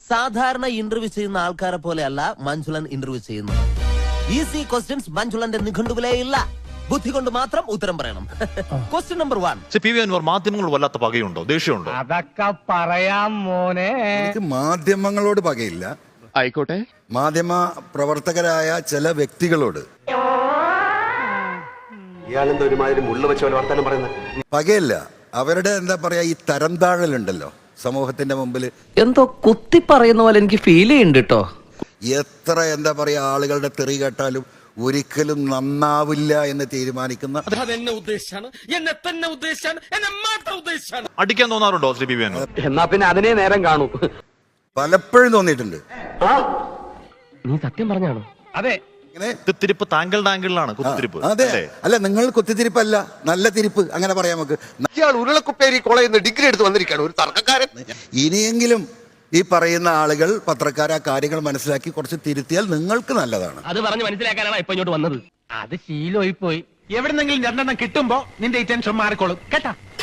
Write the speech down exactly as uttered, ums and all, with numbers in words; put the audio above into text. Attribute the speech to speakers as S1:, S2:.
S1: സാധാരണ ഇന്റർവ്യൂ ചെയ്യുന്ന ആൾക്കാരെ പോലെയല്ല മഞ്ജുളൻ ഇന്റർവ്യൂ ചെയ്യുന്നത്. ഈസി ക്വസ്റ്റ്യൻസ് മഞ്ജുളന്റെ നിഘണ്ടുവിലേ ഇല്ല. ബുദ്ധി കൊണ്ട് മാത്രം ഉത്തരം പറയണം. Question number one.
S2: P V Anvar, മാധ്യമങ്ങൾ വല്ലാത്ത പകയുണ്ടോ, ദേഷ്യമുണ്ടോ?
S3: അതൊക്കെ പറയാം മോനെ.
S4: എനിക്ക് മാധ്യമങ്ങളോട് പകയില്ല.
S5: ആയിക്കോട്ടെ.
S4: മാധ്യമ പ്രവർത്തകരായ ചില വ്യക്തികളോട് പകയില്ല. അവരുടെ എന്താ പറയാ, ഈ തരം താഴലുണ്ടല്ലോ സമൂഹത്തിന്റെ മുമ്പിൽ,
S6: എന്തോ കുത്തി പറയുന്ന പോലെ എനിക്ക് ഫീൽ ചെയ്യുന്നുണ്ട് കേട്ടോ.
S4: എത്ര എന്താ പറയാ ആളുകളുടെ തെറി കേട്ടാലും ഒരിക്കലും നന്നാവില്ല എന്ന് തീരുമാനിക്കുന്ന
S2: അടിക്കാൻ തോന്നാറുണ്ടോ ശ്രീ പി വി അൻവർ?
S3: എന്നാ പിന്നെ അതിനെ നേരം കാണൂ.
S4: പലപ്പോഴും തോന്നിയിട്ടുണ്ട്.
S3: നീ സത്യം പറഞ്ഞാണോ? അതെ.
S2: കുത്തിരിപ്പ് താങ്കളുടെ ആംഗിളിലാണ് കുത്തിരിപ്പ്.
S4: അതെ, അല്ല നിങ്ങൾ കുത്തിത്തിരിപ്പല്ല, നല്ല തിരിപ്പ് അങ്ങനെ പറയാം നമുക്ക്.
S5: ഉരുളക്കുപ്പേരി കോളേജിൽ നിന്ന് ഡിഗ്രി എടുത്ത് വന്നിരിക്കുകയാണ് ഒരു തർക്കക്കാരൻ.
S4: ഇനിയെങ്കിലും ഈ പറയുന്ന ആളുകൾ പത്രക്കാർ ആ കാര്യങ്ങൾ മനസ്സിലാക്കി കുറച്ച് തിരുത്തിയാൽ നിങ്ങൾക്ക് നല്ലതാണ്.
S3: അത് പറഞ്ഞ് മനസ്സിലാക്കാനാണ് ഇപ്പൊ ഇങ്ങോട്ട് വന്നത്. അത് ശീലമായി പോയി. എവിടെന്നെങ്കിലും രണ്ടെണ്ണം കിട്ടുമ്പോ നിന്റെ ഈ ടെൻഷൻ മാറിക്കോളും കേട്ടാ.